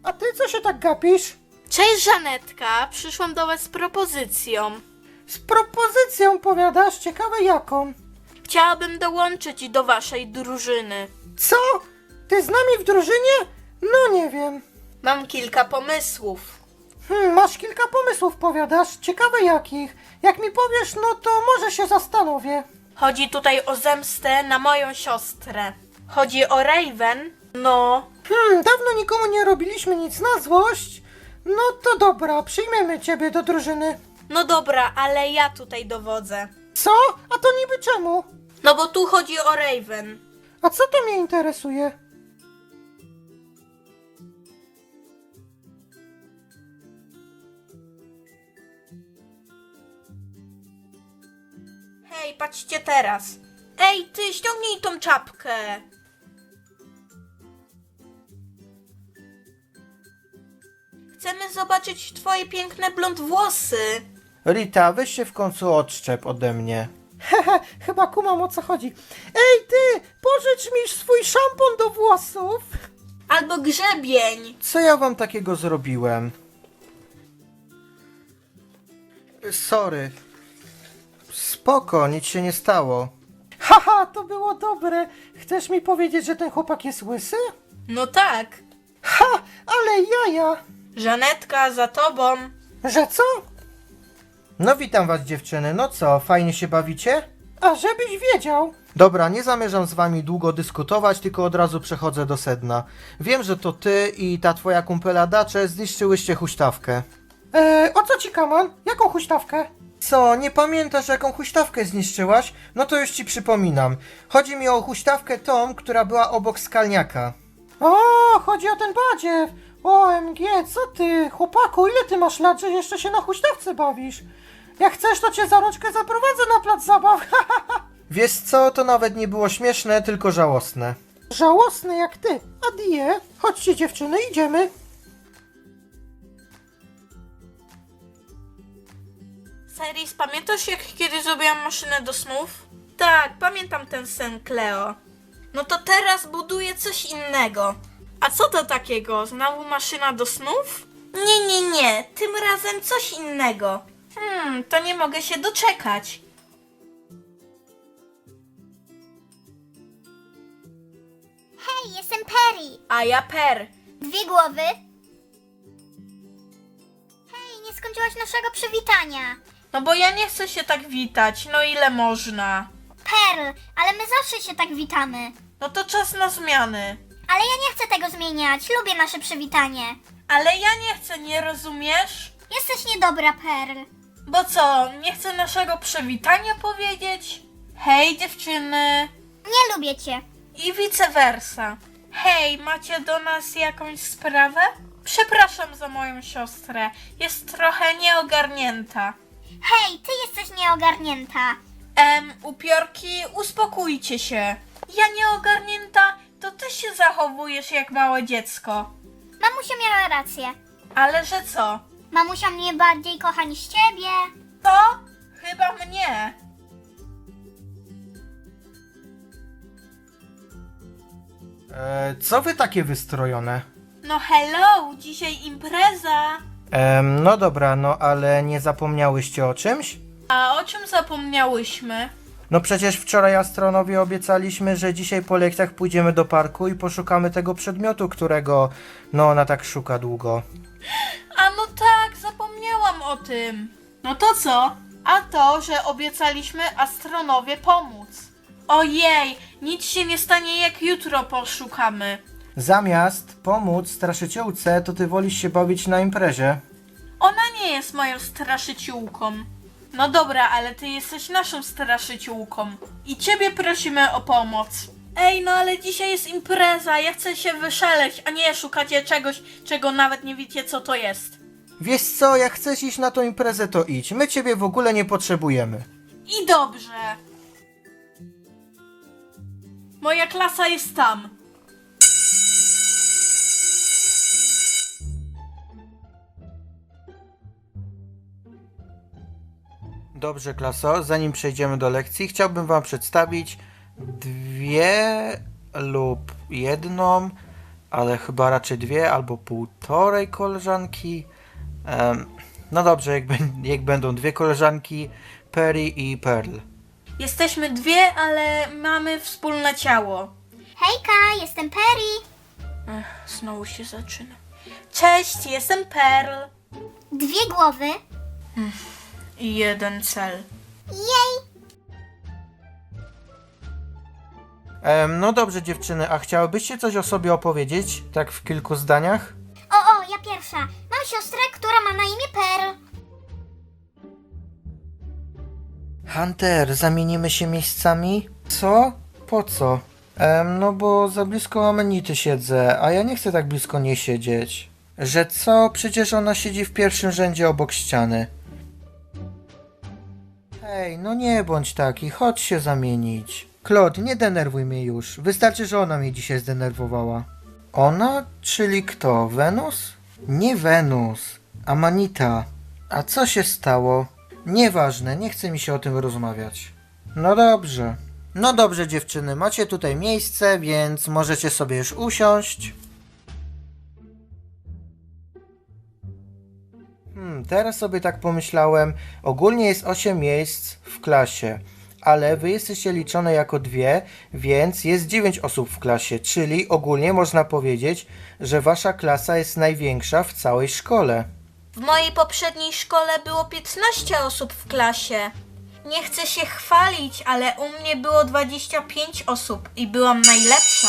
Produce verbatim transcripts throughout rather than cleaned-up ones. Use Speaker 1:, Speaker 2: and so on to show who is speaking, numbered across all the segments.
Speaker 1: a ty co się tak gapisz?
Speaker 2: Cześć Żanetka, przyszłam do was z propozycją.
Speaker 1: Z propozycją powiadasz? Ciekawe jaką?
Speaker 2: Chciałabym dołączyć do waszej drużyny.
Speaker 1: Co? Ty z nami w drużynie? No nie wiem.
Speaker 2: Mam kilka pomysłów.
Speaker 1: Hmm, masz kilka pomysłów powiadasz? Ciekawe jakich? Jak mi powiesz, no to może się zastanowię.
Speaker 2: Chodzi tutaj o zemstę na moją siostrę. Chodzi o Raven. No,
Speaker 1: Hmm, dawno nikomu nie robiliśmy nic na złość. No to dobra, przyjmiemy ciebie do drużyny.
Speaker 2: no dobra, ale ja tutaj dowodzę.
Speaker 1: Co? A to niby czemu?
Speaker 2: No bo tu chodzi o Raven.
Speaker 1: A co to mnie interesuje?
Speaker 2: Hej, patrzcie teraz. Ej, ty, ściągnij tą czapkę. Chcemy zobaczyć twoje piękne blond włosy.
Speaker 3: Rita, weź się w końcu odszczep ode mnie.
Speaker 1: Hehe, chyba kumam o co chodzi. Ej ty, pożycz mi swój szampon do włosów.
Speaker 2: Albo grzebień.
Speaker 3: Co ja wam takiego zrobiłem? Sorry. Spoko, nic się nie stało.
Speaker 1: Haha, to było dobre. Chcesz mi powiedzieć, że ten chłopak jest łysy?
Speaker 2: No tak.
Speaker 1: Ha, ale jaja.
Speaker 2: Żanetka, za tobą.
Speaker 1: Że co?
Speaker 3: No witam was dziewczyny, no co, fajnie się bawicie?
Speaker 1: A żebyś wiedział.
Speaker 3: Dobra, nie zamierzam z wami długo dyskutować, tylko od razu przechodzę do sedna. Wiem, że to ty i ta twoja kumpela Dacze zniszczyłyście huśtawkę.
Speaker 1: Eee, o co ci kaman? Jaką huśtawkę?
Speaker 3: Co, nie pamiętasz jaką huśtawkę zniszczyłaś? No to już ci przypominam. Chodzi mi o huśtawkę tą, która była obok skalniaka.
Speaker 1: O, chodzi o ten badziew. O M G, co ty? Chłopaku, ile ty masz lat, że jeszcze się na huśtawce bawisz? Jak chcesz, to cię za rączkę zaprowadzę na plac zabaw.
Speaker 3: Wiesz co, to nawet nie było śmieszne, tylko żałosne.
Speaker 1: Żałosny jak ty. Adie, chodźcie dziewczyny, idziemy.
Speaker 2: Seris, pamiętasz jak kiedyś zrobiłam maszynę do snów? Tak, pamiętam ten sen, Cleo. No to teraz buduję coś innego. A co to takiego? Znowu maszyna do snów? Nie, nie, nie. Tym razem coś innego. Hmm, to nie mogę się doczekać.
Speaker 4: Hej, jestem Perry.
Speaker 2: A ja Per.
Speaker 4: Dwie głowy. Hej, nie skończyłaś naszego przywitania.
Speaker 2: No bo ja nie chcę się tak witać. No ile można?
Speaker 4: Pearl, ale my zawsze się tak witamy.
Speaker 2: No to czas na zmiany.
Speaker 4: Ale ja nie chcę tego zmieniać. Lubię nasze przywitanie.
Speaker 2: Ale ja nie chcę, nie rozumiesz?
Speaker 4: Jesteś niedobra, Pearl.
Speaker 2: Bo co, nie chcę naszego przywitania powiedzieć? Hej dziewczyny.
Speaker 4: Nie lubię cię.
Speaker 2: I vice versa. Hej, macie do nas jakąś sprawę? Przepraszam za moją siostrę. Jest trochę nieogarnięta.
Speaker 4: Hej, ty jesteś nieogarnięta.
Speaker 2: Em, upiorki, uspokójcie się. Ja nieogarnięta, to ty się zachowujesz jak małe dziecko.
Speaker 4: Mamusia miała rację.
Speaker 2: Ale że co?
Speaker 4: Mamusia mnie bardziej kocha niż ciebie.
Speaker 2: To? Chyba mnie.
Speaker 3: Eee, co wy takie wystrojone?
Speaker 2: No hello, dzisiaj impreza.
Speaker 3: Ehm, no dobra, no ale nie zapomniałyście o czymś?
Speaker 2: A o czym zapomniałyśmy?
Speaker 3: No przecież wczoraj astronowie obiecaliśmy, że dzisiaj po lekcjach pójdziemy do parku i poszukamy tego przedmiotu, którego no ona tak szuka długo.
Speaker 2: A no tak, zapomniałam o tym. No to co? A to, że obiecaliśmy astronowie pomóc. Ojej, nic się nie stanie jak jutro poszukamy.
Speaker 3: Zamiast pomóc straszyciółce, to ty wolisz się bawić na imprezie.
Speaker 2: Ona nie jest moją straszyciółką. No dobra, ale ty jesteś naszą straszyciółką. I ciebie prosimy o pomoc. Ej, no ale dzisiaj jest impreza, ja chcę się wyszaleć, a nie szukacie czegoś, czego nawet nie wiecie co to jest.
Speaker 3: Wiesz co, jak chcesz iść na tą imprezę, to idź. My ciebie w ogóle nie potrzebujemy.
Speaker 2: I dobrze. Moja klasa jest tam.
Speaker 3: Dobrze, klaso, zanim przejdziemy do lekcji, chciałbym wam przedstawić dwie lub jedną ale chyba raczej dwie albo półtorej koleżanki. Em, no dobrze, jak, bę- jak będą dwie koleżanki, Perry i Pearl.
Speaker 2: Jesteśmy dwie, ale mamy wspólne ciało.
Speaker 4: Hejka, jestem Perry.
Speaker 2: Ech, znowu się zaczyna. Cześć, jestem Pearl.
Speaker 4: Dwie głowy.
Speaker 2: I jeden cel.
Speaker 4: Jej.
Speaker 3: Em, no dobrze dziewczyny, a chciałybyście coś o sobie opowiedzieć? Tak w kilku zdaniach?
Speaker 4: O, o, ja pierwsza. Mam siostrę, która ma na imię Pearl.
Speaker 3: Hunter, zamienimy się miejscami? Co? Po co? Em, no bo za blisko Amenity siedzę, a ja nie chcę tak blisko niej siedzieć. Że co? Przecież ona siedzi w pierwszym rzędzie obok ściany. Hej, no nie bądź taki, chodź się zamienić. Claude, nie denerwuj mnie już. Wystarczy, że ona mnie dzisiaj zdenerwowała. Ona? Czyli kto? Wenus? Nie Wenus. Amanita. A co się stało? Nieważne, nie chce mi się o tym rozmawiać. No dobrze. No dobrze dziewczyny, macie tutaj miejsce, więc możecie sobie już usiąść. Hmm, teraz sobie tak pomyślałem, ogólnie jest osiem miejsc w klasie, ale wy jesteście liczone jako dwie, więc jest dziewięć osób w klasie, czyli ogólnie można powiedzieć, że wasza klasa jest największa w całej szkole.
Speaker 2: W mojej poprzedniej szkole było piętnaście osób w klasie. Nie chcę się chwalić, ale u mnie było dwadzieścia pięć osób i byłam najlepsza.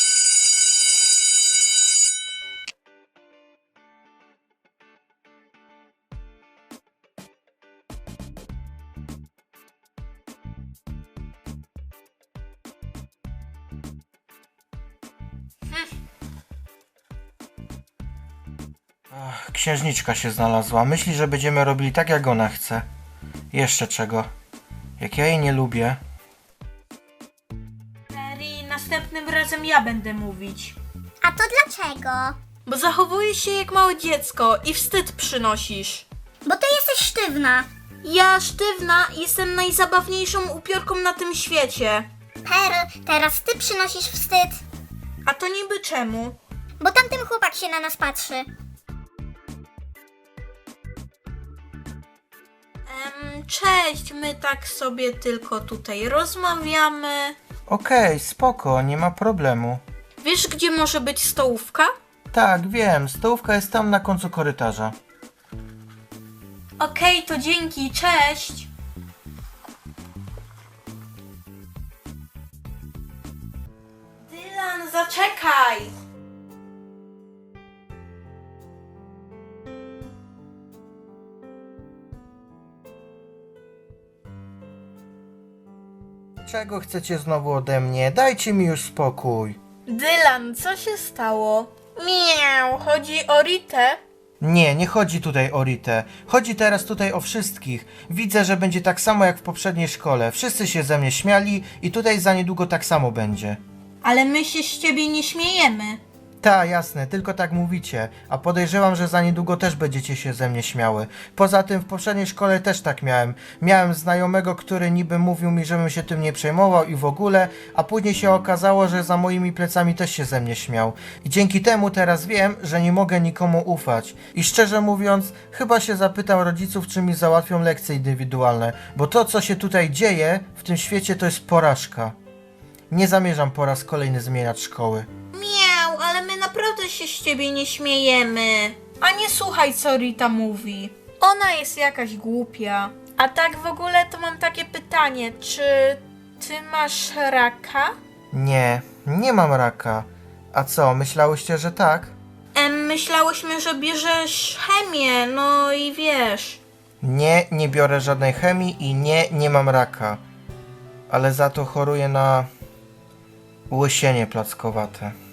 Speaker 3: Ach, księżniczka się znalazła. Myśli, że będziemy robili tak, jak ona chce. Jeszcze czego? Jak ja jej nie lubię.
Speaker 2: Perry, następnym razem ja będę mówić.
Speaker 4: A to dlaczego?
Speaker 2: Bo zachowujesz się jak małe dziecko i wstyd przynosisz.
Speaker 4: Bo ty jesteś sztywna.
Speaker 2: Ja, sztywna, jestem najzabawniejszą upiorką na tym świecie.
Speaker 4: Pearl, teraz ty przynosisz wstyd.
Speaker 2: A to niby czemu?
Speaker 4: Bo tamten chłopak się na nas patrzy.
Speaker 2: Em, cześć, my tak sobie tylko tutaj rozmawiamy.
Speaker 3: Okej, spoko, nie ma problemu.
Speaker 2: Wiesz, gdzie może być stołówka?
Speaker 3: Tak, wiem, stołówka jest tam na końcu korytarza.
Speaker 2: Okej, to dzięki, cześć. Dylan, zaczekaj.
Speaker 3: Czego chcecie znowu ode mnie? Dajcie mi już spokój.
Speaker 2: Dylan, co się stało? Miau, chodzi o Ritę?
Speaker 3: Nie, nie chodzi tutaj o Ritę. Chodzi teraz tutaj o wszystkich. Widzę, że będzie tak samo jak w poprzedniej szkole. Wszyscy się ze mnie śmiali i tutaj za niedługo tak samo będzie.
Speaker 2: Ale my się z ciebie nie śmiejemy.
Speaker 3: Ta, jasne, tylko tak mówicie, a podejrzewam, że za niedługo też będziecie się ze mnie śmiały. Poza tym w poprzedniej szkole też tak miałem. Miałem znajomego, który niby mówił mi, żebym się tym nie przejmował i w ogóle, a później się okazało, że za moimi plecami też się ze mnie śmiał. I dzięki temu teraz wiem, że nie mogę nikomu ufać. I szczerze mówiąc, chyba się zapytam rodziców, czy mi załatwią lekcje indywidualne, bo to, co się tutaj dzieje w tym świecie, to jest porażka. Nie zamierzam po raz kolejny zmieniać szkoły.
Speaker 2: Miau, ale my naprawdę się z ciebie nie śmiejemy. A nie słuchaj, co Rita mówi. Ona jest jakaś głupia. A tak w ogóle to mam takie pytanie, czy ty masz raka?
Speaker 3: Nie, nie mam raka. A co, myślałyście, że tak?
Speaker 2: Em, myślałyśmy, że bierzesz chemię, no i wiesz.
Speaker 3: Nie, nie biorę żadnej chemii i nie, nie mam raka. Ale za to choruję na łysienie plackowate.